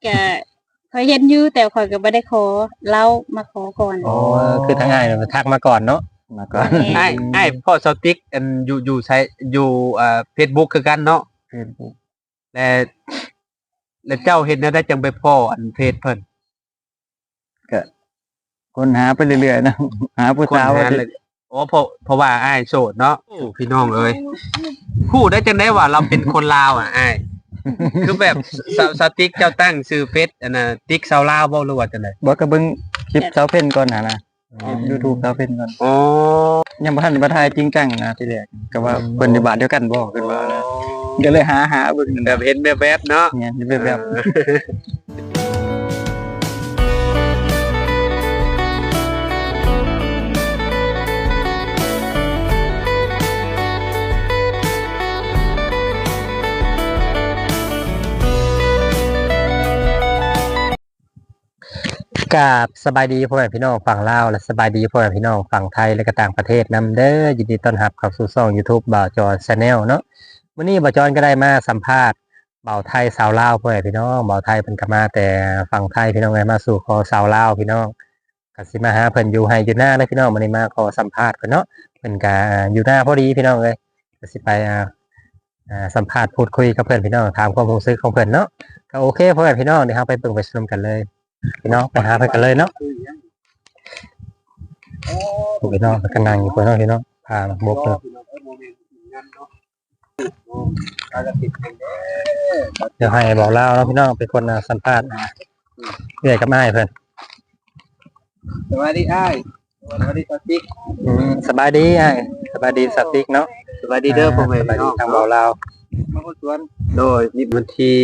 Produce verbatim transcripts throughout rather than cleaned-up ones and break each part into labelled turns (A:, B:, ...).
A: ก็ข่อยเห็นอยู่แต่ข่อยก็บ่ได้ขอเลามาขอก่อน
B: อ๋อคือทางอ้ายน่ะทักมาก่อนเนาะ
C: มาก่อน
D: อ้ายอ้ายพ่อสติ๊กอันอยู่อยู่ใช้อยู่อ่า Facebook คือกันเนาะ
C: Facebook
D: และแล้วเจ้าเห็นแนวใดจังไปพ้ออันเพจเพิ่น
C: ก็ค้นหาไปเรื่อยๆนะหาผู้
D: คน
C: สาว
D: หาเลยอ๋อเพราะเพราะว่าอ้ายโสดเนาะพี่น้องเอ้ยพูดได้จังได๋ว่าเราเป็นคนลาวอ่ะอ้ายคือแบบสสติ๊กเจ้าตั้งชื่อเฟซอันน่ะติ๊กชาวลาวบ่รู้ว่าจังได๋
C: บ่ก็เบิ่งคลิปสาวเพ่นก่อนน่ะนะคลิป YouTube สาวเพ่นก่อน
D: อ๋อ
C: ยังบ่ทันมาถ่ายจริงจังนะทีแรกก็ว่าเพิ่นอยู่บ้านเดียวกันบ่เพิ่นว่านะก็เลยหาหาเบิ่งนั่น
D: แบ
C: น่ะ
D: บเห็นแวบๆเนาะ
C: เนี่ยแบบแบบ
B: กราบสบายดีพ่อแม่พี่น้องฝั่งลาวและสบายดีพ่อแม่พี่น้องฝั่งไทยและก็ต่างประเทศนำเด้อยินดีต้อนรับเข้าสู่ช่อง YouTube บ่าวจอน Channel เนาะวันนี้บ่าวจอนก็ได้มาสัมภาษณ์บ่าวไทยสาวลาวพ่อแม่พี่น้องบ่าวไทยเพิ่นก็มาแต่ฝั่งไทยพี่น้องเอ้ยมาสู่ขอสาวลาวพี่น้องก็สิมาหาเพิ่นอยู่ให้อยู่หน้าเลยพี่น้องมื้อนี้มาขอสัมภาษณ์เพิ่นเนาะเพิ่นก็อยู่หน้าพอดีพี่น้องเอ้ยก็สิไปอ่าอ่าสัมภาษณ์พูดคุยกับเพิ่นพี่น้องถามความรู้สึกของเพิ่นเนาะก็โอเคพ่อแม่พี่น้องเดี๋ยวเราไปเบิ่งไปชมกันเลยพี่น้องไปหาเพิ่นกันเลยเนาะพี่น้องก็นั่งอยู่พี่น้องพี่น้องพาบกเลยเดี๋ยวให้บอกเล่าเนาะพี่น้องเป็นคนอ่าสัมภาษณ์เรื่อยกับอ้ายเพิ่น
D: สวัสดีอ้ายสวัสดีสติ๊ก
B: อืมสบายดีอ้ายสบายดีสติกเนาะ
D: สวัสดีเด้อพ่อแม่
B: สบาย
D: พี่
B: ดี
D: น้อง
B: ทางบอกเล่า
D: มาคนสวนโดยนี่วันที่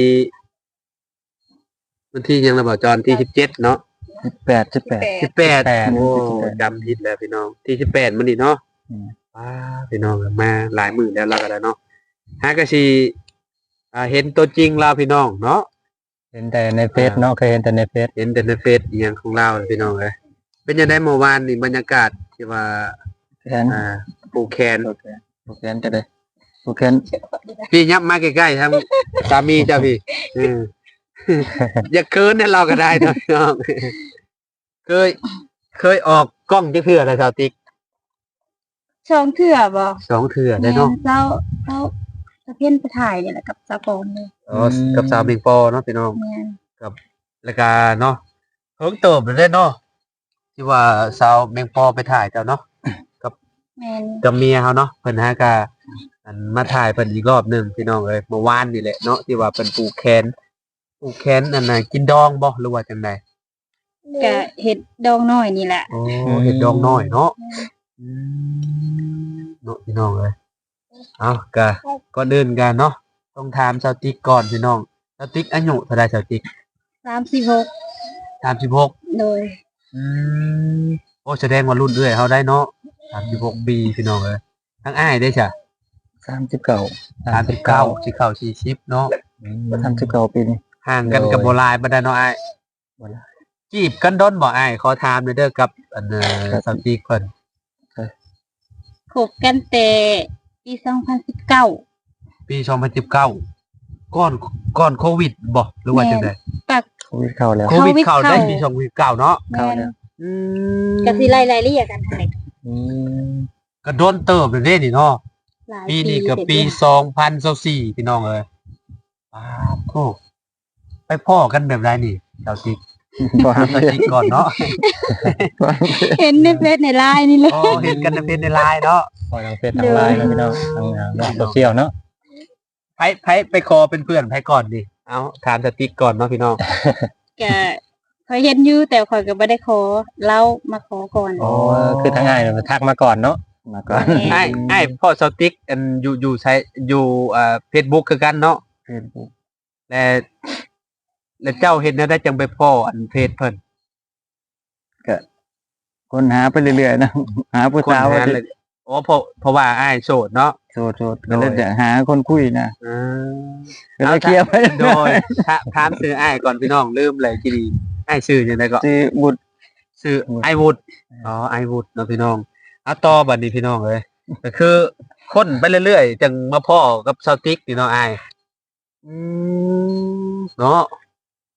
D: วันที่ยังระบาดจรที่สิบเจ็ดเนาะ
C: สิบแปด สิบแปด
D: สิบแปด
B: แปด
D: โอ้จำผิดแล้วพี่น้องที่สิบแปดมันนี่เนาะ
C: อืม
D: ว้าพี่น้องมาหลายหมื่นแล้วเราก็ได้เนาะฮะก็สิอ่าเห็นตัวจริงเราพี่น้องเนาะ
B: เห็นแต่ในเฟซเนาะเคยเห็นแต่ในเฟซ
D: เห็นแต่ในเฟซอหย่างของเราเลยพี่น้องเลยเป็นยังไงเมื่อวานนี่บรรยากาศที่ว่า
C: แขน
D: อ่าปูแคน
C: โอเคโอเคจะได้โอเค
D: พี่ยับมาใกล้ๆทางสามีเจ้าพี่อืม อย่าเคินให้เราก็ได้นะพี่น้องเคย เคยออกกล้องจักเทื่อแล้วสาวติ๊ก
A: ช่องเถื่อบ่
D: สองเทื่อได้
A: แม่น
D: เนาะ
A: เจ้าเจ้าตะเพียนไปถ่ายนี่แหละกับสะปอมเลย
D: อ๋อกับสาวเมงปอเนาะพี่น้อง
A: แม่น
D: แล้วก็เนาะเพิ่งเติบเลยเนาะที่ว่าสาวเมงปอไปถ่ายเจ้าเนาะ
A: แม่น
D: กับเมียเขาเนาะเพิ่นฮะก็อันมาถ่ายเพิ่นอีกรอบหนึงพี่น้องเอ้ยเมื่อวานนี่แหละเนาะที่ว่าเพิ่นปลูกแคนปลูกแคนอันน่ะกินดองบ่หรือว่าจังได๋
A: ก็เห็ดดองน้อยนี่แหละ
D: โอ้เฮ็ดดองน้อยเนาะอืมเนาะพี่น้องเอ้ยเอาก็ก่อนอื่นกันเนาะต้องถามชาวติ๊กก่อนพี่น้องชาวติ๊กอายุเท่าใดชาวติ๊ก
A: สามสิบหก
D: สามสิบหก
A: โดย
D: อืมโอ้แสดงว่ารุ่นเอื้อยเฮาได้เนาะสามสิบหกปีพี่น้องเอ้ยทั้งอ้ายได้จ้ะ
C: สามสิบเก้า
D: สามสิบเก้าสิเข้าสี่สิบเนาะ
C: สามสิบเก้าปีนี้
D: ห่างกันกับโบราณบ่ได้เนาะอ้าย
C: บ่หลาย
D: จีบกันด้นบ่อ้ายขอถามหน่อยเด้อกับอันเอ่อสาวติ๊กเพิ่น
A: คบกันแต่ปีสองพันสิบเก้า
D: ปีสองพันสิบเก้าก่อนก่อนโควิดบ่หรือว่าจังได๋
A: ปัก
C: โควิดเข้าแล้ว
D: โควิดเข้าได้
A: เข้า
D: ปีสองพันสิบเก้าเนาะ
A: แม่น
D: อืม
A: ก็สิไล่ๆเรียกกันหั่นแหละ
C: อืม
D: ก็โดนเติบเลยเด้นี่เนาะ
A: หลาย
D: ปีนี้ก็
A: เสร็จ
D: ปี
A: แล้ว
D: สองพันยี่สิบสี่พี่น้องเอ้ยอ้าวโธ่ไปพ้อกันแบบไรนี่สาวติ๊ก
C: บ่หา
D: สาวติ๊กก่อนเนาะ
A: เห็นในเฟซในไลน์นี่เลย
D: อ๋อเห็นกันในเฟซในไลน์เนาะ
B: พอทางเฟซทางไลน์เนาะพี่น้องทางอ่าโลกโซเชียลเนาะ
D: ไผไผไปคอเป็นเพื่อนไผก่อนดิเอาถามสติ๊กก่อนเนาะพี่น้อง
A: ก็ข่อยเห็นอยู่แต่ข่อยก็บ่ได้ขอเลามาขอก่อน
B: อ๋อคือทางอ้ายน่ะทักมาก่อนเนาะ
C: มาก่อน
D: ไอ้ไอ้พ่อสติ๊กอันอยู่อยู่ใช้อยู่อ่า Facebook คือกันเนาะ
C: Facebook
D: และแล้วเจ้าเห็นแนวใดจังไปพ้ออันเพจเพิ่น
C: ก็ค้นหาไปเรื่อยๆนะหาผู้
D: คน
C: สาว
D: หาเลยอ๋อเพราะเพราะว่าอ้ายโสดเนาะ
C: โสดๆก็เลยจะหาคนคุยนะ
D: อ่า
C: ก็เลยเคลียร์ไป
D: โดยถาถามชื่ออ้ายก่อนพี่น้องลืมเลยจีดีอ้ายชื่อจังได๋ก็
C: สิบุตร
D: ชื่อไอวุฒอ๋อไอวุฒเนาะพี่น้องเอาต่อบัดนี้พี่น้องเอ้ยก็คือคนไปเรื่อยๆจังมาพ้อกับสติ๊กนี่เนาะอ้ายอืมเนาะ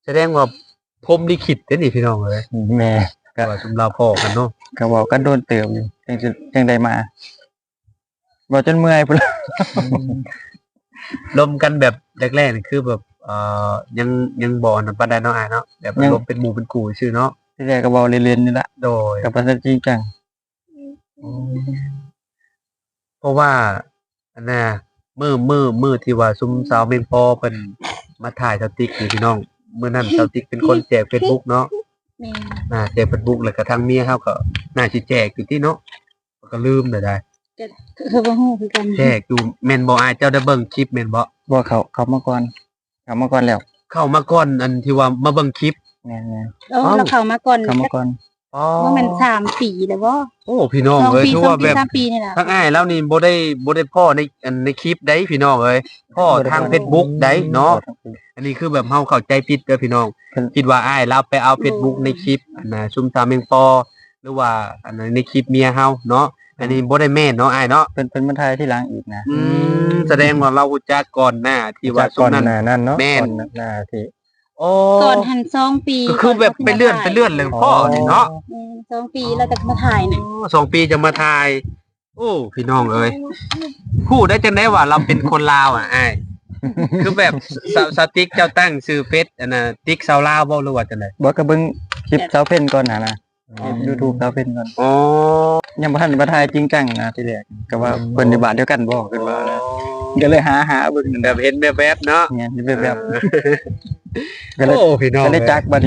D: แสดงว่าพรหมลิขิตเด้อนี่พี่น้องเอ้ย
B: แม่
D: ว่าซุมเราพ่อกันเนาะ
C: ก็บอกก็โดนเติมอยู่จังสิจังได้มาบอกจนเมื่อยพุ่นล่ะ
D: ลมกันแบบแรกๆนี่คือแบบเอ่อยังยังบ่อนำปานใดเนาะอ้ายเนาะแบบลมเป็นหมู่เป็นกูชื่อเนาะ
C: ที่แรกก็เว้าเล่นๆนี่ล่ะ
D: โดย
C: ก็บ่ทันจริงจัง
D: เพราะว่าอันน่ะมื้อมื้อมื้อที่ว่าซุมสาวเมนพอเพิ่นมาถ่ายสติ๊กนี่พี่น้องมื้อนั้นสาวติ๊กเป็นคนแจก Facebook เนาะ
A: แม่
D: อ่าแจก Facebook แล้วก็ทางเมียเฮาก็น่าสิแจกอยู่ที่เนาะก็ลืมได้ได้
A: ก็คือบ่ฮู้คือกัน
D: แจกอยู่แม่นบ่อ้ายเจ้าได้เบิ่งคลิปแม่นบ่
C: บ่เขาเขามาก่อนเขามาก่อนแล้ว
D: เข้ามาก่อนอันที่ว่ามาเบิ่งคลิป
C: แม่น
A: โอ้เราเข้ามาก่อน
C: ๆเขามาก่อน
D: อ๋อ
A: ว่ามันสามปีแล้วบ่
D: โอ้พี่น้อง
A: สอง
D: เอ้ย
A: ปี
D: ถือ
A: สอง
D: ว่า
A: ปี
D: แบบ
A: สามปีนี่ล่ะ
D: ทั้งอ้ายแล้วนี่บ่ได้บ่ได้พ่อในอันในคลิปได้พี่น้องเอ้ยพ่อทาง Facebook ได้เนาะอันนี้คือแบบเฮาเข้าใจผิดเด้อพี่น้องคิดว่าอ้ายเราไปเอา Facebook ในคลิปอันน่ะซุมตาเมงปอหรือว่าอันนั้นในคลิปเมียเฮาเนาะอันนี้บ่ได้แม่นเนาะอ้ายเนาะ
C: เพิ่นเพิ่นมาถ่ายที่หลังอีกนะ
D: อืมแสดงว่าเรารู้จักก่อนหน้าที่ว่า
B: จาก
D: ซุ
B: ก่อ
D: ม
B: น
D: นั้น
B: หน้านั้นเนาะ
D: แม่น
B: ก่อนหน้าที่
D: โอ้
A: ก่อนหันสองปี
D: ก็คือแบบไปเลื่อนไปเลื่อนเรื่องพ่อนี่เนาะ
A: อืมสองปีแล้วก็มาถ่ายน่ะ
D: สองปีจะมาถ่าย โอ้พี่น้องเอ้ยพูดได้จังได๋ว่าเราเป็นคนลาวอ่ะอ้ายคือแบบสสติ๊กเจ้าตั้งชื่อเฟซอันน่ะติ๊กชาวลาวบ่หรือว่าจังได๋
C: บ่ก็เบิ่งคลิปสาวเพ่นก่อนน่ะนะคลิป YouTube สาวเพ่นก่อน
D: อ๋อ
C: ยังบ่ทันมาถ่ายจริงจังนะที่แรกก็ว่าเพิ่นอยู่บ้านเดียวกันบ่เพิ่นว่านะก็เลยหาหาเบิ่งนั่น
D: แบ
C: แหละ
D: บเห็นแวบๆเนาะ
C: เนี่ยแบบแบบก็เลย
D: โอ้พี่น้อง
C: ก็เลยจักบัดนี้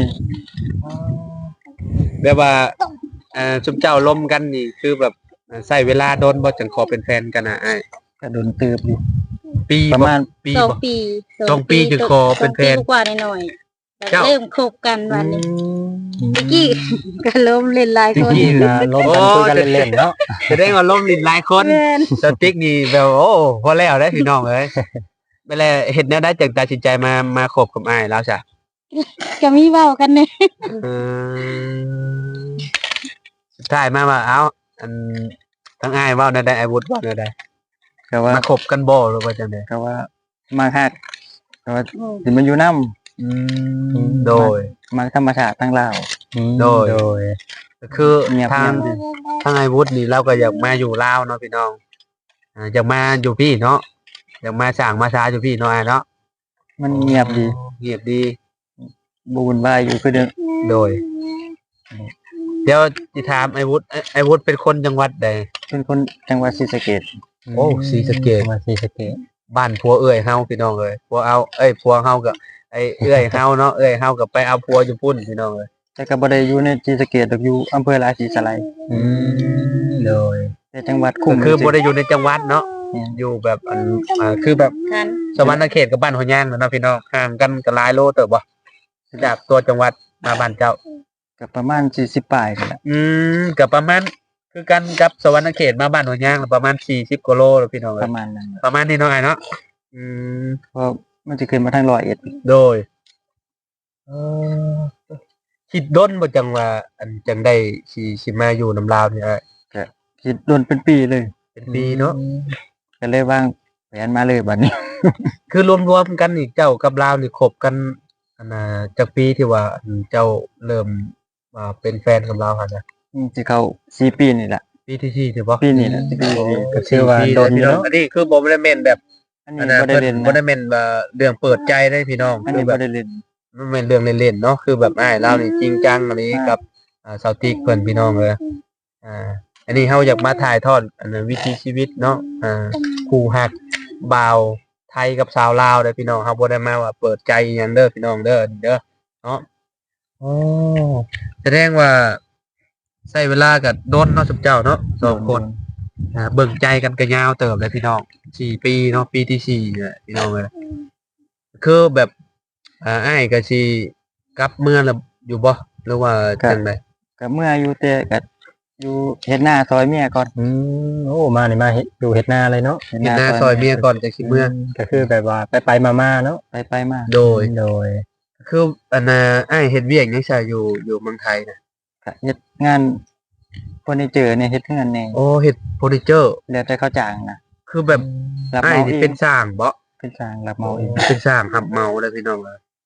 D: แบบว่าเอ่อชุมเจ้าลมกันนี่คือแบบเอ่อใช้เวลาโดนบ่จังขอเป็นแฟนกันน่ะอ้าย
C: ก็โดนเติบอยู่
D: ปี
C: ประมาณ
D: ปี
A: สอง
D: บ่
A: ปี
D: สองปีจึงขอเป็นแฟน
A: สองปีกว่าหน่อยๆ
D: เจ้า
A: เริ่มคบกันวันนี้ตะกี้ก็ล้มเล่นหลายคน
B: ที่นะลมกันคุยกันเล่นๆเนาะ
D: แสดงว่าลมลิ้นหลายคน
A: แม่น
D: สติ๊กนี่แบบโอ้พอแล้วได้อพี่น้องเอ้ยไปแล้วเฮ็ดแนวได้จังตัดสินใจมามาคบกับอ้ายแล้วจ้ะ
A: ก็มีเว้ากันเนี่ย
D: เออสุดท้ายมาว่าเอ้าอันทั้งอ้ายเว้าแนวใดอ้ายวุฒิเว้าแนวใด
C: ก็ว่า
D: มาคบกันบ่หรือว่าจังได๋
C: ก็ว่ามาฮักก็ว่าสิมันอยู่นำ
D: อืมโดย
C: มาธรรมชาติทั้งลาว
D: โดย
B: โดย
D: ก็คือ
C: เงียบ
D: ทาง
C: เงียบดี
D: ทางไอ้วุฒินี่เราก็อยากมาอยู่ลาวเนาะพี่น้องอ่าอยากมาอยู่พี่เนาะอยากมาสร้างมาช้าอยู่พี่เนาะอ้ายเนาะ
C: มันเงียบดี
D: เงียบดี
C: บ่วุ่นวายอยู่คือเดิม
D: โดย เดี๋ยวสิถามไอ้วุฒิไอ้ไอ้วุฒิเป็นคนจังหวัดใด
C: เป็นคนจังหวัดศรีสะเกษ
D: โอ้ศรีสะเกษ
B: มาศรีสะเกษ
D: บ้านผัวเอ้ยเฮาพี่น้องเอ้ยผัวเอาเอ้ยผัวเฮากับไอ้เอ้ยเฮาเนาะเอ้ยเฮากับไปเอาผัวอยู่พุ่นพี่น้องเอ้ย
C: แต่ก็บ่ได้อยู่ในศรีสะเกษดอกอยู่อำเภอราศีสไลย
B: อืมโดย
C: แต่จังหวัด
D: ก็
C: คุ้ม
D: คือบ่ได้อยู่ในจังหวัดเนาะ
C: เนี่ย
D: อยู่แบบอันอ่าคือแบบ
A: กัน
D: สวรรณเขตกับบ้านหัวย่างเนาะพี่น้องห่างกันก็หลายโลเติบบ่จากตัวจังหวัดมาบ้านเจ้า
C: ก็ประมาณสี่สิบปลายนั่นแหละ
D: อืมก็ประมาณคือกันกับสวรรณเขตมาบ้านหัวย่างประมาณสี่สิบกว่าโลแล้วพี่น้อง
C: ป
D: เอ้ย
C: ระมาณนั้น
D: ประมาณนี้เนาะไอ้เนาะอืม
C: เพราะมันจะขึ้นมาทางร้อยเอ็ด
D: โดยเออคิดด้นบ่จังว่า อันจังได้สิสิมาอยู่นำลาวนี่อ้าย
C: คิดโดนเป็นปีเลย
D: เป็นปีเนาะ
C: ก็เลยวางแผนมาเลยบัดนี้
D: คือรวมๆกันนี่เจ้ากับลาวนี่คบกันอันน่ะจักปีที่ว่าอันเจ้าเริ่มมาเป็นแฟนกับลาวหั่นน่ะ
C: อืมสิเข้าสี่ปีนี่แหละ
D: ปีที่สี่ถือบ่
C: ปีนี้แหละสิปี
D: โอ้
C: นี้
B: ก็ชื่อว่าโดน
D: พี่
B: เนาะ
D: อันนี้คือบ่ได้แม่นแบบ
C: อัน
D: อั
C: นี้
D: นนั้น
C: บ่ได้
D: เพิ่น
C: เล่น
D: บ่
C: นะ
D: ได้แม่นว่าเรื่องเปิดใจได้พี่น้อง
C: อัน
D: คื
C: นี้
D: อแบ
C: บ่
D: บ
C: ได้เล่น
D: มันเป็นเรื่องเล่นๆเนาะคือแบบอ้ายลาวนี่จริงจังอันนี้
C: อ่ากั
D: กับอ่าสาวติ๊กเพิ่นพี่น้องเอ้ยอ่า อันนี้เฮาอยากมาถ่ายทอดอันนั้นวิถีชีวิตเนาะอ่าคู่ฮักบ่าวไทยกับสาวลาวเด้อพี่น้องเฮาบ่ได้มาว่าเปิดใจอิหยังเด้อพี่น้องเด้อเด้อเนาะโอ้แสดงว่าใช้เวลากับโดนเนาะสุบเจ้าเนาะสองคนอ่าเบิ่งใจกันก็ยาวเติบเลยพี่น้องสี่ปีเนาะปีที่สี่เนี่ยพี่น้องเอ้ยคือแบบอ่าอ้ายก็สิกลับเมืองแล้วอยู่บ่หรือว่าจังได
C: ก็เมื่ออยู่แต่ก็อยู่เฮ็ดหน้าซอยเมียก่อน
B: อืมโอ้มานี่มาเฮ็ดอยู่เฮ็ดนาเลยเนาะ
D: เห็นหน้าซอยเมียก่อนจังสิเมื่อ
B: ก็คือแบบว่าไปไปมามาๆเนาะ
C: ไปไปมา
D: โดย
B: โดย
D: คืออันน่ะอ้ายเฮ็ดเวียกยังใช่อยู่อยู่เมืองไทยนะ
C: ก็เฮ็ดงานเฟอร์นิเจอร์เนี่ยเฮ็ดงานแน่
D: โอ้เฮ็ดเฟอร์นิเจอร์
C: แล้วแต่เขาจ้างนะ
D: คือแบบ
C: รับ
D: อ้าย
C: เหมา
D: นี่
C: เอง
D: เป็นสร้างบ่
C: เป็นจ้างรับเหมาเอง
D: เป็นสร้างหับเหมาเลยพี่น้องเอ้ย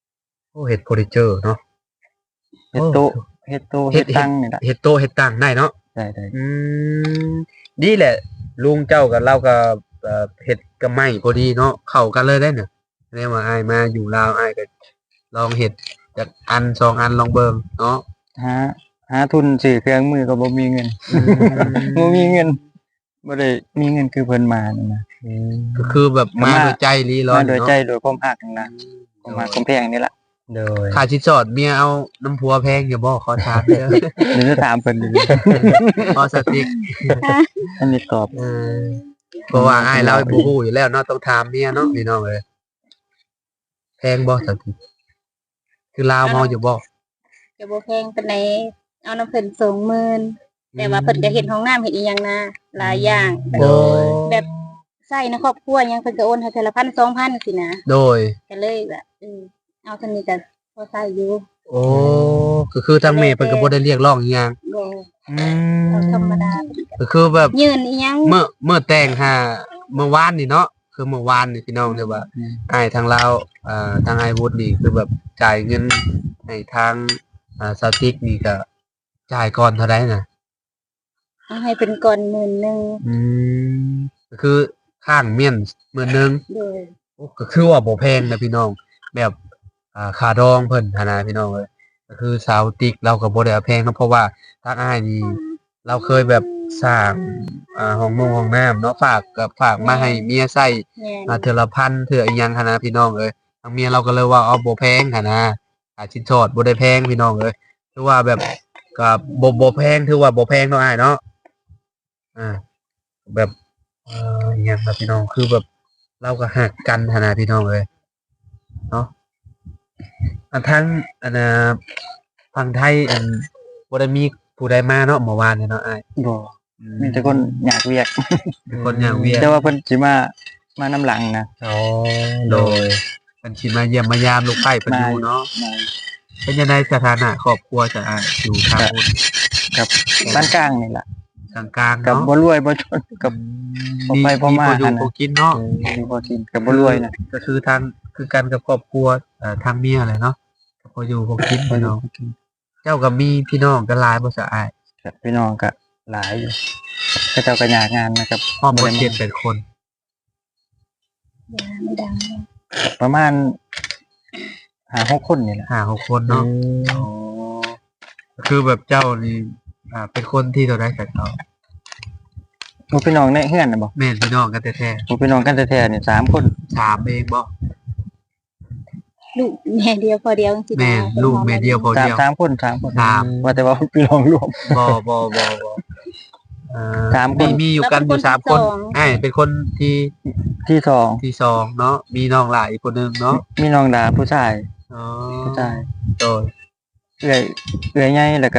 D: โอ้เฮ็ดเฟอร์นิเจอร์เนาะ
C: เฮ็ดโต๊ะเฮ็ดโต๊ะเฮ็ดตั้งนี่ล่ะ
D: เฮ็ดโต๊ะเฮ็ดตั้งได้เนาะ
C: ได้ได้
D: อืมดีแหละ ลุงเจ้ากับเราก็เอ่อเฮ็ดกับไม้พอดีเนาะเข้ากันเลยได้เนี่ยแม่ว่าอ้ายมาอยู่ลาวอ้ายก็ลองเฮ็ดจากอันสองอันลองเบิ่งเนาะ
C: หาหาทุนซื้อเครื่องมือก็บ่มีเงิน บ่มีเงินบ่ได้มีเงินคือเพิ่นมานั่นนะ
D: ก็คือแบบมา
C: มา
D: โดยใจรีร้อ
C: มาน โดย
D: เนาะ
C: ใจโดยความรักนั่นนะความรักความแพงนี่ล่ะ
B: โดย
D: ค่าชิดสอดเมียเอาน้ำพัวแพงอย่าบอกขอถามเด้อ
C: เดี๋ยวจะถามเพิ่นดู
D: พอสติก
C: อันนี้ตอบ
D: เออเพราะว่าอ้ายเราบ่ฮู้อยู่แล้วเนาะต้องถามเมียเนาะพี่น้องเอ้ยแพงบ่สติกคือลาวเมาอยู่บ่
A: ก็บ่แพงปานใดเอาน้ำเพิ่นสองหมื่นแต่ว่าเพิ่นก็เฮ็ดห้องน้ำเฮ็ดอีหยังนะหลายอย่าง
D: โดย
A: แบบใช้ในครอบครัวหยังเพิ่นก็โอนให้เทื่อละพัน สองพันสินะ
D: โดย
A: ก็เลยแบบเออเอาเท่านี้ก็พอใช้อยู่
D: โอ้ก็คือทางแม่เพิ่นก็บ่ได้เรียกร้องอีหยัง
A: บ่
D: อื
A: เอาธรรม
D: ม
A: ดา
D: ก็คือแบบ
A: ยืนอีหยัง
D: เมื่อเมื่อแต่งหาเมื่อวานนี่เนาะคือเมื่อวานนี่พี่น้องเรียกว่าอ้ายทางลาวอ่าทางอ้ายวุฒินี่คือแบบจ่ายเงินให้ทางอ่าสติกนี่ก็จ่ายก่อนเท่าใดน่ะ
A: เอาให้เป็นก่อนหมื่นหนึง
D: อืมก็คือข้างเมียนหมื่นหนึง
A: โดย
D: โอ้ก็คือว่าบ่แพงนะพี่น้อง แบบอ่าค่าดองเพิ่นหันนะพี่น้องเอ้ยก็คือสาวติ๊กเราก็บ่ได้เอาแพงเนาะเพราะว่าทางอ้ายนี่เราเคยแบบสร้างอ่าห้องนงห้องน้ำเนาะฝากกับฝากมาให้เมียใช้
A: แม่น
D: อ่าเทื่อละพันเทื่ออีหยังหันนะพี่น้องเอ้ยทางเมียเราก็เลยว่าเอาบ่แพงหันนะค่าชิ้นสอดบ่ได้แพงพี่น้องเอ้ยถือว่าแบบก็บ่บ่แพงถือว่าบ่แพงเนาะอ้ายเนาะอ่าแบบเอ่ออีหยังแบบพี่น้องคือแบบ เราก็หักกันหันนะพี่น้องเอ้ยเนาะอันทั้งอันน่ะฝั่งไทยอันบ่ได้มีผู้ใดมาเนาะเมื่อวานเนี่ยเนาะอ้าย
C: บ่
D: อื
C: มีแต่คนอยากเวียก
D: เป็นคนอย่างเวียน
C: แต่ว่าเพิ่นสิมามานํหลังนะ
B: อ๋อโดย
D: เป็นชิมาเยี่ยมมายามลูกไผ่เพิ่นอยู่เนาะ
C: มา
D: เป็นยังไงสถานะครอบครัวจะอ่ะอยู่ทางบน
C: กับบ้านกลางนี่ล่ะ
D: กลางกลางๆ
C: กับ
D: เนาะ
C: บ่รวยบ่จนกับ พอไปพอมา
D: พออยู่
C: หั่นน่ะ
D: พอกินเนาะ
C: มีบ่กินกับบ่รวยนะ
D: ก็คือทางคือกันกับครอบครัวเอ่อทางเมียเลยเนาะก็พออยู่พอกิน
C: บ่
D: พี่
C: อยู่
D: น้อง
C: บ่กิน
D: เจ้าก็มีพี่น้องกันหลายบ่สะอาย
C: กับพี่น้องก็หลายอยู่ก็เจ้าก็อยากงานนะครับ
D: พร้อม
C: บ่
D: บ่
C: ได้
D: เจ็ดเป็นคน
A: ยาไม่ดัง
C: ประมาณห้าหกคนนี่แหละ
D: ห้าหกคนเนาะอ๋อก็คือแบบเจ้านี่อ่าเป็นคนที่เท่าใดสักเขา
C: หมู่พี่น้องในเฮือนน่ะบ่
D: แม่นพี่น้องกันแท้
C: หมู่พี่น้องกันแท้ๆนี่สามคน
D: ๆสามเองบ่
A: ลูกแม่เดียวพอเดียวสินะ
D: แม่นลูกแม่เดียวพอ
C: สาม
D: เดียว
C: สามคนสามคน
D: สาม
C: ว่าแต่ว่าพี่น้องรวม
D: บ่บ่บ่บ่เอ่อ
C: สามคน
D: มีมีอยู่กันอยู่สามคนไอ้เป็นคนที่
C: ที่สอง
D: ที่สองเนาะมีน้องหลายอีกคนหนึงเนาะ
C: มีน้องดาผู้ชาย
D: อ๋อ
C: ผู้ชาย
D: โดย
C: เอื้อยเอื้อยใหญ่แล้วก็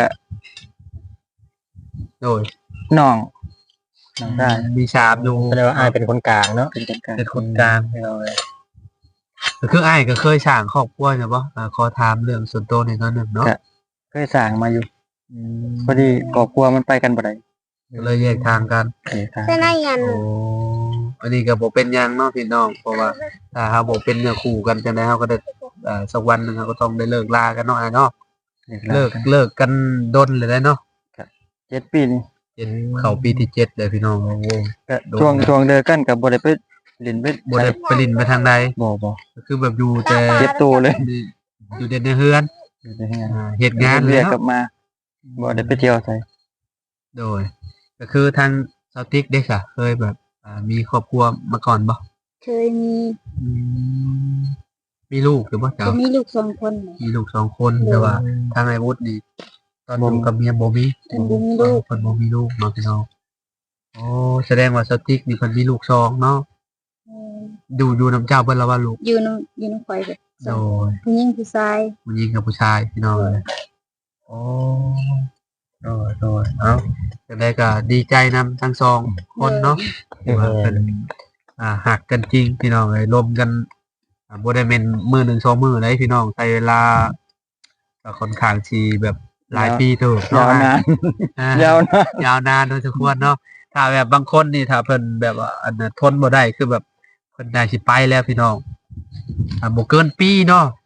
D: โดย
C: น้องน้องได้
D: มีสามอยู่
B: แสดงว่าอายเป็นคนกลางเนาะ
C: เป็นจังการ
D: เป็นคนกลางให้เราเลยก็คือไอ้ายก็เคยสร้างครอบครัวใช่ปะอ่าขอถามเรื่องส่วนตัวหน่อยหนึงเนาะ
C: เคยสร้างมาอยู่พอดีครอบครัวมันไปกันบ่ได้
D: ก็เลยแยกทางกัน
C: เอกทาง
A: เป็นอะไรกัน
D: โอ้อันนี้ก็บ่เป็นหยังเนาะพี่น้องเพราะว่าถ้าเฮาบ่เป็นเนื้อคู่กันจังได๋เฮาก็ได้อ่าสักวันหนึงเราก็ต้องได้เลิกลากันเนาะอ้ายเนาะ
C: เลิ
D: เลิ
C: ก
D: กเลิกกันดนเลยได้เนาะ
C: เจ็ดปีนี่
D: เจ็ดเข้าปีที่เจ็ดเลยพี่น้องโอ้โห
C: ก็
D: โดน
C: ช่วงช่วงเดินกันกับบ่ได้ไปเล่นไป
D: บ่ได้ไปลินไปทางใด
C: บ่บ่
D: ก็คือแบบอยู่แต่
C: เจ็บตัวเลย
D: อยู่แต่ในเฮือน
C: อยู่ที่งาน
D: อ่าเฮ็ดงาน
C: เรี
D: เลย
C: กกลั
D: เนาะ
C: บมาบ่ได้ไปเที่ยวไส
D: โดย ก็คือทางซาวติกเด็กอะเคยแบบอ่ามีครอบครัวมาก่อนบ่
A: เคยมี
D: อืมมีลูกหรือบ่เจ้า
A: จะมีลูกสองคน
D: มีลูกสองคนแต่ว่าทางไอ้วุฒินี่ ตอนอยู่กับเมียบ่มี
A: เพิ่นบ่มีลูก
D: เพิ่นบ่มีลูกเนาะพี่น้องโอ้แสดงว่าซาวติกนี่เพิ่นมีลูกสองเนาะ
A: เออ
D: ดูอยู่น้ำเจ้าเบิ่นแล้วว่าลูก
A: อยู่น้ำอยู่น้ำข่อยแบบส
D: โด
A: อง
D: ย
A: ผู้หญิงผู้ชาย
D: ผู้หญิงกับผู้ชายพี่น้องเลยโอ้โดยโดยเอ้าจังไดก็ดีใจนำทั้งสองคนเนาะที่ว่าเพิ่นอ่าหักกันจริงพี่น้องเอ้ยรวมกันอ่าบ่ได้แม่นมื้อหนึ่งสองมื้อเลยพี่น้องใช้เวลาก็ค่อนข้างสิแบบหลายปีเติบ
C: ยา
D: เนาะ
C: วนาน
D: อ่
C: ยาวนาน
D: ยาวนานโดยสมควรเนาะถ้าแบบบางคนนี่ถ้าเพิ่นแบบว่าอันน่ะทนบ่ได้คือแบบเพิ่นได้สิไปแล้วพี่น้องอ่าบ่เกินปีเนาะค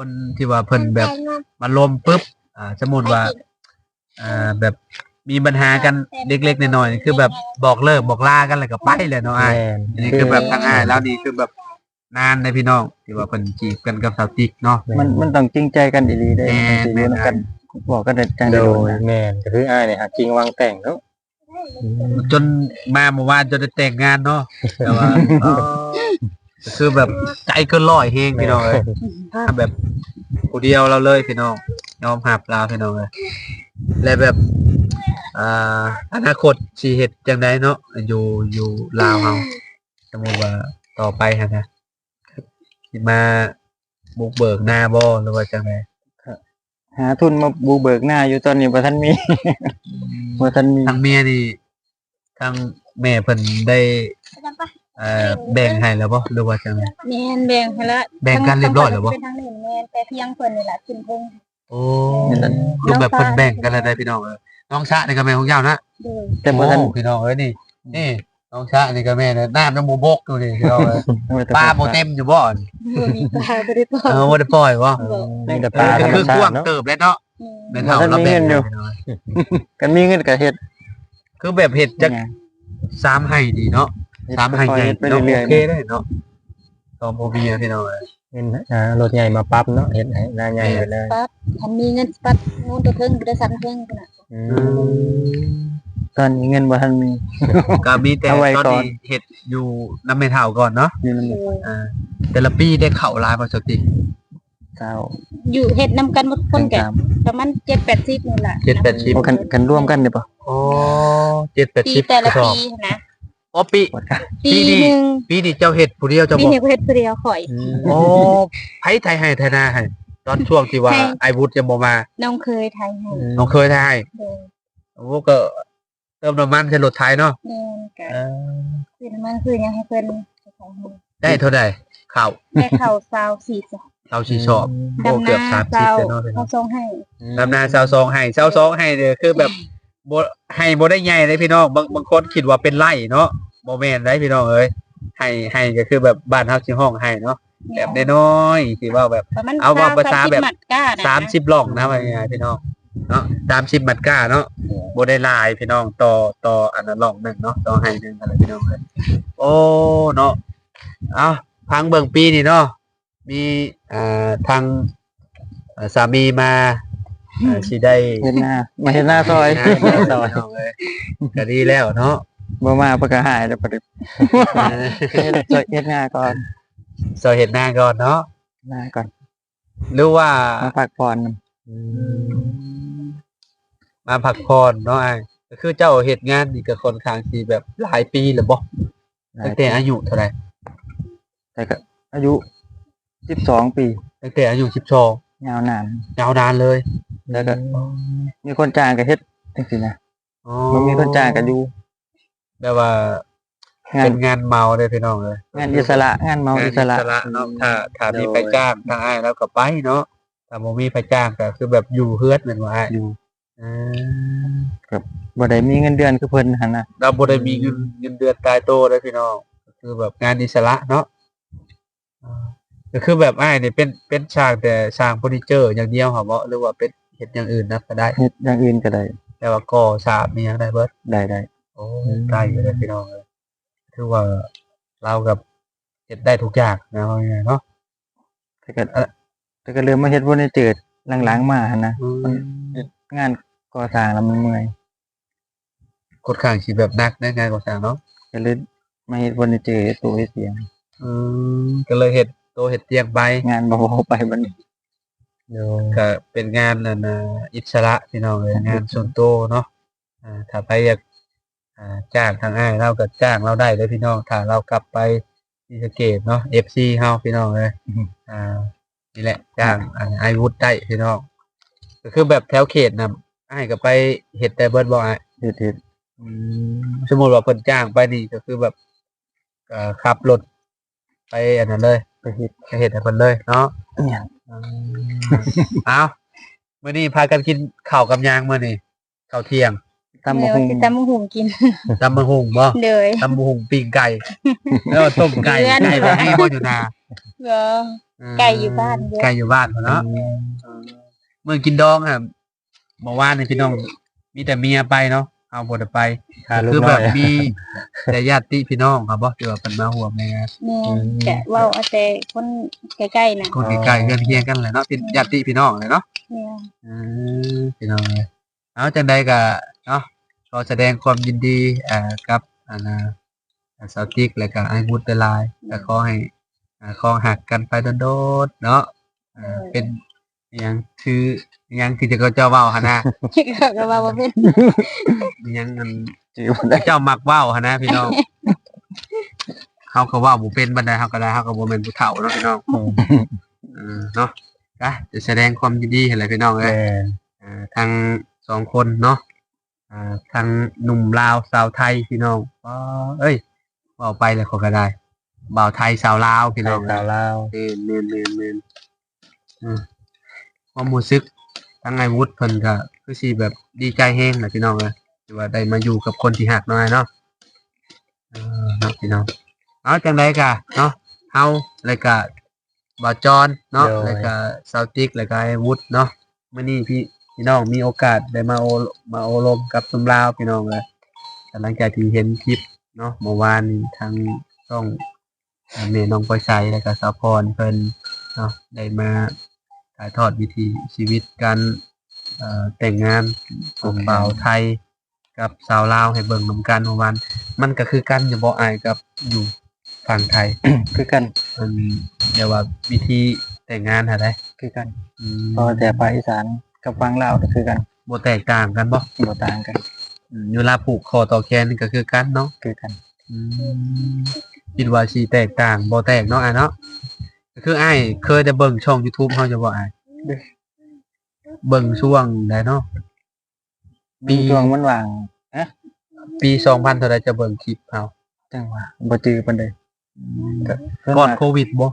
D: คนที่ว่าเพิ่นแบบมาลมปุ๊บอ่าสมมุติว่าอ่าแบบมีปัญหากันเล็กๆน้อยๆคือแบบบอกเลิกบอกลากันแล้วก็ไปเลยเนาะอ้าย
B: แม่น
D: อันนี้คือแบบทางอ้ายแล้วนี่คือแบบนานเลยพี่น้องที่ว่าเพิ่นจีบกันกับสาวติ๊กเนาะ
C: มันมันต้องจริงใจกันอีหลีได้
D: แม่น
C: มันสิอยู่นำกันบอกกันได้จัง
B: โด
C: ได้โดน
B: ย
C: นะ
B: แม่นก็คืออ้ายเนี่ยหาจริงวางแต่งเนาะ
D: จนมาเมื่อวานจนได้แต่งงานเนาะแต่ว่าเออคือแบบใจเกินร้อยเฮงพี่น้องเอ้ยแบบผู้เดียวเราเลยพี่น้องยอมหับลาพี่น้องเลยและแบบอ่าอนาคตสิเฮ็ดจังไดเนาะอยู่อยู่ลาวเฮาสมมุติว่าต่อไปหั่นนะสิมาบุกเบิกหน้าบ่หรือว่าจังได
C: หาทุนมาบูเบิกหน้าอยู่ตอนนี้บ่ทันมี บ่ทันมี
D: ทางเมียนี่ทางแม่เพิ่นได้เอ่อแบ่งให้แล้วบ่หรือว่าจังได
A: แม่นแบ่งให้ละ
D: แบ่งกันเรียบร้อยแล้วบ่
A: เป็นทางนี้แม่นแต่เพียงเพิ่นนี่ล่ะขึ้นเพิ่ง
D: โอ้คือแบบเพิ่นแบ่งกันแล้วได้พี่น้องเอ้ยน้องชะนี่ก็แม่ของเจ้านะ
A: โดย
C: แต่บ่ทัน
D: โอ้พี่น้องเอ้ยนี่นี่น้องชะนี่ก็แม่นะน้ำน้ำหมูบกอยู่นี่พี่น้องเอ้ย
C: บ่ได้
D: ปลาบ่เต็มอยู่บ่นี่
A: บ่มีปลาบ่ได้ปลา
D: เออบ่ได้ปล่อยบ่
B: นี่แต่ปลา
D: ก็
B: ธรรม
D: คือก
B: ชา
D: ว้าง
B: ติเนาะ
D: เติบแล้วเนาะแม่เฒ่า
C: บ่ทัน
D: เรา
C: มี
D: แบ่
C: เงิ
D: ง
C: นอยู่
D: พี่น้อง
C: กันมีเงินก็เฮ็ด
D: คือแบบเฮ็ดจักสามให้ดีเนาะสามให้ใหญ่
C: เฮ็ดไป
D: เนาะ
C: เรื่อย
D: โอเคได้เนาะตอมบ่มีอะพี่น้องเอ้ย
B: เงินอ่ารถใหญ่มาปั๊บเนาะเฮ็ดให้หน้าใหญ่ไปเลย
A: ปั๊บคันมีเงินปั๊บงูตัวเทิงบ่ได้สั่นเทิงพุ่นน่ะ
B: อื
D: อื
B: ม
D: ม
C: ๆตอนนี้เงินบ่ทันมี
D: ก็มีแต่
C: เอาไว้
D: ตอน
C: ก่อน
D: นี้เฮ็ดอยู่น้ำแม่เฒ่าก่อนเนาะ
C: อยู่นั่น
A: โด
C: แหละ
A: ย
D: อ่าแต่ละปีได้เข้าหลายบ่สติ
C: เจ้า
A: อยู่เฮ็ดนํกันหมดคนก็
C: ตาม
A: ประมาณเจ็ดแปดสิบนี่ล่ะ
D: เจ็ดแปดสิบ
C: โอ้กันกันร่วมกันได้ปะ
D: โอ้เจ็ดแปด
A: ปี
D: สิบ
A: แต่ละ
D: กระส
A: ปี
D: อบ
A: นะ
D: อ๋อปี
C: ปวดกัน
A: ปี
D: ปีนี้
A: หนึง
D: ปีนี้เจ้าเฮ็ดผู้เดียวเจ้า
A: ปี
D: บ่
A: นี้ก็เฮ็ดผู้เดียวข่อย
D: โอ้ไผไทยให้ไทยนาให้ตอนช่วงที่ว่า
A: ให้
D: ไอวุฒิจะบ่มา
A: น้องเคยไทยให้
D: น้องเคยไทยให้
A: โดย
D: โอ้ก็เติมน้ำมันใช้รถไทยเนาะ
A: แม่นก็
D: เออ
A: คือมันคือยังให้เพิ่น
D: ได้เท่าใดข้าว
A: แม่เข้าซาวสี่จ้ะ
D: เราสิชอบโอ้
A: ดำ
D: เกือบ
A: นา
D: สามสิบ
A: ซาว
D: แล้วเนาะพี่น้
A: เขา
D: อง
A: ส่งให้
D: ดำนาชาวซองให้ชาวซองให้เนี่ยคือแบบบ่ให้บ่ได้ใหญ่เลยพี่น้องบางบางคนคิดว่าเป็นไร่เนาะบ่แม่นได้พี่น้องเอ้ยให้ให้ก็คือแบบบ้านเฮาสิห้องให้เนาะแบบน้อยๆที่ว่าแบบ
A: ประมาณ
D: เอาว่าภาษาแบบ
A: หมัดก้านะ
D: สามสิบหล่องนะว่าง่ายๆพี่น้องเนาะสามสิบมัดก้าเนาะบ่ได้หลายพี่น้องต่อต่ออันนั้นหล่องหนึงเนาะต่อให้หนึงอะไรพี่น้องเอ้ยโอ้เนาะเอาพังเบิ่งปีนี่เนาะมีอ่าทางอ่าสามีมาอ่าสิได้
C: เฮ็ดหน้ามาเฮ็ดหน้าซอย
D: งานแล้วซอยเอาเลยก็ดีแล้วเนาะ
C: บ่มาเพิ่นก็หายแล้วปะเดิ
D: เออ
C: เฮ็ดซอยเฮ็ดหน้าก่อน
D: ซอยเห็ดหน้าก่อนเนาะ
C: หน้าก่อน
D: หรือว่า
C: มาพักผ่อน
D: อืมมาพักผ่อนเนาะไอ้ก็คือเจ้าเฮ็ดงานนี่ก็ค่อนข้างสิแบบหลายปีแล้วบ่ตั้งแต่อายุเท่าไหร่
C: แต่ก็อายุสิบสองปี
D: ตั้งแต่อายุสิบสอง
C: ยาวนาน
D: ยาวนานเลย
C: แล้วก็มีคนจ้างก็เฮ็ดจังซี่นะ
D: อ๋อ
C: บ่มีคนจ้างก็อยู่
D: แบบว่า
C: งาน
D: เป็นงานเมาเลยพี่น้องเลย
C: งานอิสระงานเมาง
D: าน
C: อิสระ
D: เนาะถ้าถ้ามีไปจ้างทางอ้ายแล้วก็ไปเนาะถ้าบ่มีไปจ้างก็คือแบบอยู่เฮือดแม่นบ่อ้าย
C: อยู่
D: อืม
C: บ่ได้มีเงินเดือนคือเพิ่นหั่นน่ะ
D: เราบ่ได้มีเงินเงินเดือนตายโตเลยพี่น้องก็คือแบบงานอิสระเนาะอ่าก็คือแบบอ้ายนี่เป็นเป็นช่างแต่สร้างเฟอร์นิเจอร์อย่างเดียวครับบ่หรือว่าเป็นเฮ็ดอย่างอื่นนะก็ได้
C: เฮ็ดอย่างอื่นก็ได้
D: แต่ว่าก่อสร้างมีหยังได้เบิด
C: ได้ได้
D: โอ้ได้อยู่เลยพี่น้องเลยคือว่าเรากับเฮ็ดได้ทุกอย่างนะว่าไงเนาะ
C: แต่ก็แต่ก็เริ่มมาเฮ็ดบ่ได้เจิดหลังๆมาหั่นนะ
D: อืม
C: งานก่อสร้างแล้วมันเมื่อย
D: กดข้างสิแบบหนักในงานก่อสร้างเนาะ
C: ก็เลยมาเฮ็ดบ่ได้เจิดตัวเฮ็ดเสียง
D: อืมก็เลยเฮ็ดโตเฮ็ดเตียงไป
C: งานบ่พอไปบัดนี้
B: โดย
D: ก็เป็นงานนั่นน่ะอิสระพี่น้องเลยงานส่วนตัวเนาะอ่าถ้าไปอยากอ่าจ้างทางอ้ายเราก็จ้างเราได้เลยพี่น้องถ้าเรากลับไปศรีสะเกษเนาะ เอฟ ซี เฮาพี่น้องเลยอ่านี่แหละจ้างอ่าไอวุฒิได้พี่น้องก็คือแบบแถวเขตน่ะอ้ายก็ไปเฮ็ดแต่เบิดบ่อ้าย
C: เฮ็ดเฮ็ด
D: อืมสมมุติว่าเพิ่นจ้างไปนี่ก็คือแบบเอ่อขับรถไปอันนั้นเลย
C: ไปเฮ็ด
D: ไปเฮ็ดให้เพิ่นเลยเนาะ
C: อิหยัง
D: อืมเอามื้อนี้พากันกินข้าวกับหยางมื้อนี้ข้าวเที่ยง
C: ตำ
A: แม่
C: บัก
A: ว่า
C: หุ่ง
A: สิตำบักหุ่งกิน
D: ตำบักหุ่งบ่
A: เลย
D: ตำบักหุ่งปิ้งไก่ แล้วต้มไก่
A: เพื่อน
D: ไก่บ่มีบ่อยู่นา
A: ก็
D: เ
A: ไก่อยู่บ้านเยอะ
D: ไก่อยู่บ้านพุ่นเนาะเมื่อกินดองครับเมื่อวานนี่พี่น้องมีแต่เมียไปเนาะเอาบ่ได้ไป
B: หาลูก
D: คือ
B: น้
D: แบ
B: อบ ย
D: มีแต่ญาติพี่น้องครับบ่ที่ว่าเพิ่นมาร่วมในงาน
A: แม่แกะเว้าเอาแต่คนใกล้ๆน่ะ
D: คนใกล้ๆเฮือนเคียงกันแหละเนาะเป็นญาติพี่น้องเลยเนาะ
A: แม่
D: อืมพี่น้องเอ้ยเอาจังใดก็เนาะขอแสดงความยินดีอ่ากับอันน่ะสาวติ๊กแล้วก็ไอ้วุฒิหลายๆก็ขอให้อ่าคองหักกันไปโดดๆเนาะอ่าเป็นอิหยังถืออิหยังที่จะเจ้าเว้าหั่นนะ
A: ก็ว่าบ่เป็น
D: อิหยังอัน
C: จื้อบ่ได้
D: เจ้ามักเว้าหั่นนะพี่น้องเฮาก็เว้าบ่เป็นบันไดเฮาก็ได้เฮาก็บ่แม่นผู้เฒ่าเนาะพี่น้องเออเนาะก็จะแสดงความยินดีให้เลยพี่น้องเอ้
B: แม่
D: ยอ่าทั้งสองคนเนาะอ่าทั้งหนุ่มลาวสาวไทยพี่น้องอ๋อเอ้ยเว้าไปแล้วเขาก็ได้บ่าวไทยสาวลาวพี่น้อง
B: สาวลาว
D: เมนเมนเมนเมนอืมความรู้สึกทั้งไงวุฒิเพิ่นก็คือสิแบบดีใจแฮงแหละพี่น้องเอ้ยที่ว่าได้มาอยู่กับคนที่ฮักน้อยเนาะเออเนาะพี่น้องเอาจังไดก็เนาะเฮาแล้วก็บ่าวจอนเนาะแล้วก็ซาวติกแล้วก็ไอ้วุฒิเนาะมื้อนี้พี่พี่น้องมีโอกาสได้มาโอมาโอลมกับซุมลาวพี่น้องเอ้ยแต่หลังจากที่เห็นคลิปเนาะเมื่อวานนี้ทางช่องอ่าแม่น้องปอยไสแล้วก็สาวพรเพิ่น เนาะได้มาถ่ายทอดวิถีชีวิตการเอ่อแต่งงานของบ่าวไทยกับสาวลาวให้เบิ่งนำกันเมื่อวานมันก็คือกันอยู่บ่อายกับอยู่ฝั่งไทย
C: คือกัน
D: มันเรียกว่าวิธีแต่งงานหาได้
C: คือกัน
D: อืม
C: เพราะว่าแต่ภาคอีสานกับฝั่งลาวก็คือกัน
D: บ่แตกต่างกันบ่
C: บ่ต่างกัน
D: อืมเวลาผูกคอต่อแขนนี่ก็คือกันเนาะ
C: คือกัน
D: อืมคิดว่าสิแตกต่างบ่แตกเนาะอ้ายเนาะก็คืออ้ายเคยได้เบิ่งช่อง YouTube เฮาจะบ่อ้ายเบิ่งช่วงใดเนาะ ปี
C: มีช่วงมันว่าง
D: ปีสองพันเท่าใดจะเบิ่งคลิปเฮา
C: จังว่าบ่จื้อปานใด
D: ก่อนโควิดบ่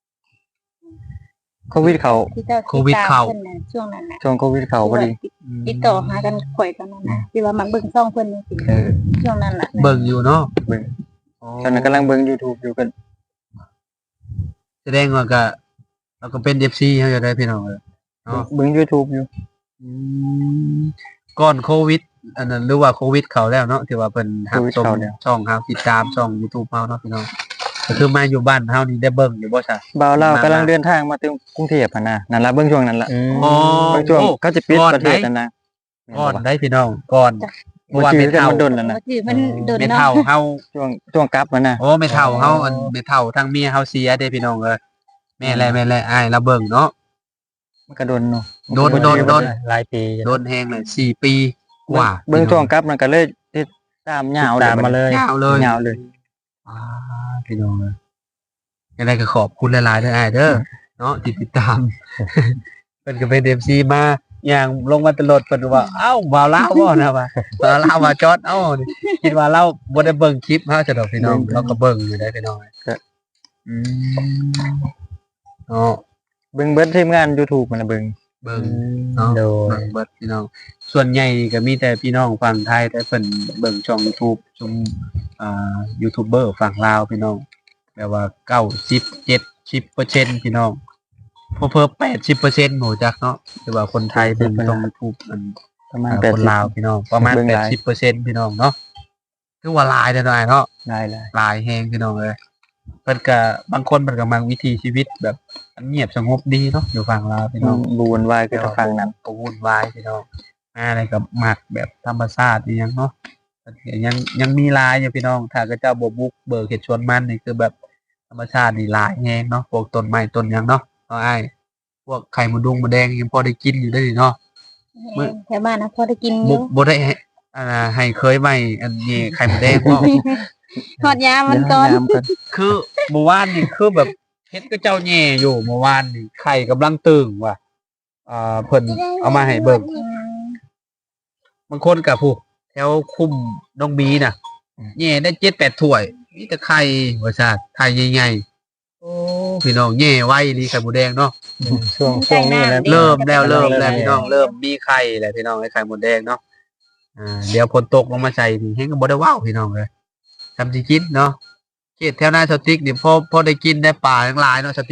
C: โควิดเข้า
A: ที่เจ้า
D: โควิดเข้า
A: ติตมพิ่นน่ะช่วงนั้นน่ะ
C: ช่วงโควิดเข้าพอดี
A: ติดต่อหากันข่อยตอนนั้นน่ะที่ว่ามักเบิ่งซ่องเพิ่นนี่สิ
C: เออ
A: ช่วงนั้นน่ะ
D: เบิ่งอยู่เนาะ
C: เบิ่งตอนนั้นกำลังเบิ่ง YouTube อยู่กัน
D: แสดงว่าก็เราก็เป็น เอฟ ซี เฮาจะได้พี่น้องเอ้ยเนาะ
C: เบิ่ง YouTube อยู่
D: อืมก่อนโควิด อันนั้นหรือว่าโควิดเข้าแล้วเนาะที่ว่าเพิ่นรับชมช่องเฮาติดตามช่อง YouTube เฮาเนาะพี่น้องก็คือมาอยู่บ้านเฮานี่ได้เบิ่งอยู่บ่ซะ
C: บ่าวลาวกำลังเดินทางมาถึงกรุงเทพหั่นน่ะนั่นล่ะเบิ่งช่วงนั้นล่ะ
D: อ๋อ
C: เบิ่งช่วง
D: โอ้
C: เขาจะปิด
D: ก่อน
C: ประเทศ
D: ไหน
C: นั่นนะ
D: ก่อนได้พี่น้องก่อนเพ
C: บ่
D: ราะว่า
C: จื้
D: แม่
C: อกัน
D: เฒ่า
C: มันดนแล้วนะ
A: บ่ชื่อมันโดน
D: แม่
A: เนาะ
D: เฒ่าเฮา
C: ช่วงช่วงกลับมันน่ะ
D: โอ้แม่เฒ่าเฮาอันแม่เฒ่าทั้งเมียเฮาเสียเด้พี่น้องเอ้ยแม่แลแม่แลอ้ายละเบิ่งเนาะ
C: มันก็โดนเนาะ
D: โดนโดนโดน
B: หลายปี
D: โดนแฮงเลยสี่ปีกว่า
C: เบิ่งช่วงกลับมันก็เลยติดตามยาว
B: ตามมาเลย
D: ยาวเลย
C: ยาวเลย
D: อ่าพี่น้องเลยยังไงก็ขอบคุณหลายๆเด้ออ้ายเด้อเนาะที่ติดตาม เพิ่นก็เป็น เอฟ ซี มาอย่างลงมาตลอดเพิ่นก็ว่าเอ้าบ่าวลาวบ่นะว่าบ่าวลาวว่าจอดเอ้านี่คิดว่าเราบ่ได้เบิ่งคลิปเฮาซะดอกพี่น้องเราก็เบิ่งอยู่ได้พี่น้องอืมเนาะ
C: เบิ่งเบิดทีมงาน YouTube มันน่ะเบิ่ง
D: เบิ่งเนาะ
B: โดย
D: เบิ่งเบิดพี่น้อง ส่วนใหญ่ก็มีแต่พี่น้องฝั่งไทยแต่เพิ่นเบิ่งช่อง YouTube ชมอ่ายูทูบเบอร์ฝั่งลาวพี่น้องแบบว่าเก้าสิบ เจ็ดสิบเปอร์เซ็นต์ พี่น้องเพิ่มๆแปดสิบเปอร์เซ็นต์ โหจักเนาะแต่ว่าคนไทยเบิ่งช่อง YouTube มัน
C: ประมาณ
D: อ่า
C: แปด
D: คน
C: สิบ
D: ลาวพี่น้องประมาณ
C: เบิ่ง
D: แป
C: ห
D: ด
C: ลาย
D: สิบเปอร์เซ็นต์ พี่น้องเนาะคือว่าหลายเด้อหน่อยเนาะ
C: ได้เลย
D: หลายแฮงพี่น้องเอ้ยเพิ่นก็บางคนเพิ่นก็มักวิถีชีวิตแบบเงียบสงบดีเนาะอยู่ฝั่งลาวพี่น้อง
C: บูวนวายคือทางฝั่งนั้น
D: ก็วุ่นวายพี่น้องมาอะไรกับหมักแบบธรรมชาติอหยังเนาะยังยังมีหลายอยู่พี่น้องถ้าก็เจ้าบ่บุกเบิกเฮ็ดชวนมันนี่คือแบบธรรมชาตินี่หลายแฮงเนาะพวกต้นไม้ต้นหยังเนาะเอาอ้ายพวกไข่มดดุงมดแดงยังพอได้กินอยู่ได้อนี่เนาะ มื้อ
A: แถวบ้านนะพอได้กินอ
D: บ่
A: ยู่
D: บ่ได้ให้อ่าให้เคยไหมอันนี้ไข่มดแดงบ่
A: ทอดยามันก่อน
C: ยามก่อน
D: คือเมื่อวานนี่คือแบบเฮ็ดก็เจ้าแย่อยู่เมื่อวานนี่ไข่กำลังตึงว่ะอ่าเพิ่นเอามาให้เบิ่ง บางคนกับผู้แถวคุมน้องบีน่ะแย่ได้เจ็ดแปดถ้วยมีแต่ไข่ว่าซาดไข่ใหญ่ๆโอ้พี่น้องแย่ไว้ลีไข่หมูแดงเนาะ
C: ช่วงช่วงนี้แล้ว
D: เริ่มแล้วเริ่มแล้ว
C: เริ่ม
D: พี่น้องเริ่มมีไข่แล้วพี่น้องไอ้ไข่หมูแดงเนาะอ่าเดี๋ยวฝนตกลงมาใส่นี่เฮงก็บ่ได้ว้าวพี่น้องเลยทำสิกินเนาะเขตแถวหน้าสติ๊กนี่พอพอได้กินได้ปลาทั้งหลายเนาะสติ๊กเนาะ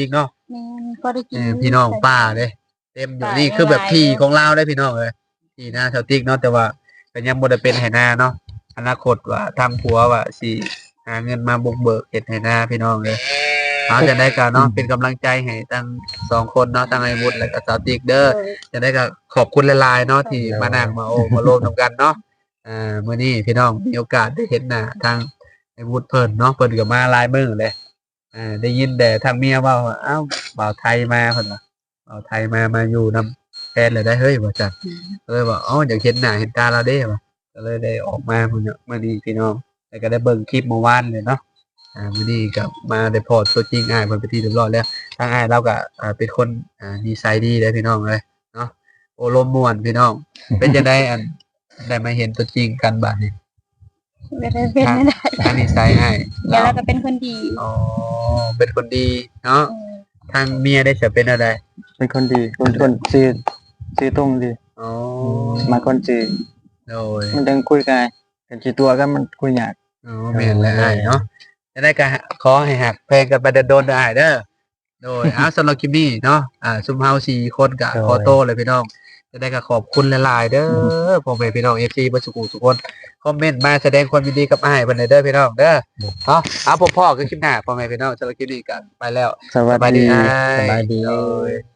A: แม่นก็ได้กิ
D: เอน อพี่น้องป้าเด้เต็มอยู่นี่คือแบบที่ของลาวได้พี่น้องเอ้ยที่หน้าชาวติ๊กเนาะแต่ว่าก็ยังบ่ได้เป็นไหนาเนาะอนาคตว่าทางผัวว่าสิหาเงินมาบุกเบิกเฮ็ดไหนาพี่น้องเอ้ยเอาจะได้ก็เนาะเป็นกำลังใจให้ทั้งสองคนเนาะทั้งไอ้วุฒิและก็สาวติ๊กเด้อ จะได้ก็ขอบคุณหลายๆเนาะที่มานั่งมาโอ้มาโลมกันเนาะอ่ามื้อนี้พี่น้องมีโอกาสได้เห็นหน้าทางไอ้วุฒิเพิ่นเนาะเพิ่นก็มาหลายมื้อเลยอ่าได้ยินแต่ทางเมียเว้าว่าอ้าวบ่าวไทยมาเพิ่นว่าบ่าวไทยมามาอยู่นำแฟนเลยได้เฮ้ยว่าจังก็เลยว่าอ๋ออยากเห็นหน้าเห็นตาเราเด้ว่าก็เลยได้ออกมามื้อนี้มื้อนี้พี่น้องแล้วก็ได้เบิ่งคลิปเมื่อวานเลยเนาะอ่ามื้อนี้ก็มาได้พอตัวจริงอ้ายเพิ่นไปนที่เรียบร้อยแล้วทางอ้ายเราก็อ่าเป็นคนอ่านิสัยดีเด้อพี่น้องเอ้ยเนาะ โอลมม่วนพี่น้อง เป็นจะได้อันได้มาเห็นตัวจริงกันบัดนี้
A: ไม่ได้เป็นไม่ได้
D: ทางนิสัยให้
A: แล้วเราก็เป็นคนดี
D: อ๋อเป็นคนดีเนาะทางเมียได้จะเป็นอะไร
C: เป็นคนดีคนคนสิสิตรงดี
D: อ๋อ
C: มาคนสิ
D: โดย
C: มันจังคุยกันกันสิตัวกันมันคุยยาก
D: อ๋อแม่นและอ้ายเนาะจะได้ก็ขอให้หักเพลงกันไปโดนๆได้อ้ายเด้อโดยอ้าวสำหรับคลิปนี้เนาะอ่าซุมเฮาสี่คนก็ขอโตเลยพี่น้องจะได้ก็ขอบคุณหลายๆเด้อพ่อแม่พี่น้อง เอฟ ซี บ่สุขุทุกคนคอมเมนต์มาแสดงความยินดีกับอ้ายเพิ่นเด้อพี่น้องเด้อเนาะเอาพบพ่อคือคลิปหน้าพ่อแม่พี่น้องสำหรับคลิปนี้ก็ไปแล้ว
C: สวัส
D: สบายดี
C: ดี
D: อ้าย
B: สบายดี
D: โดย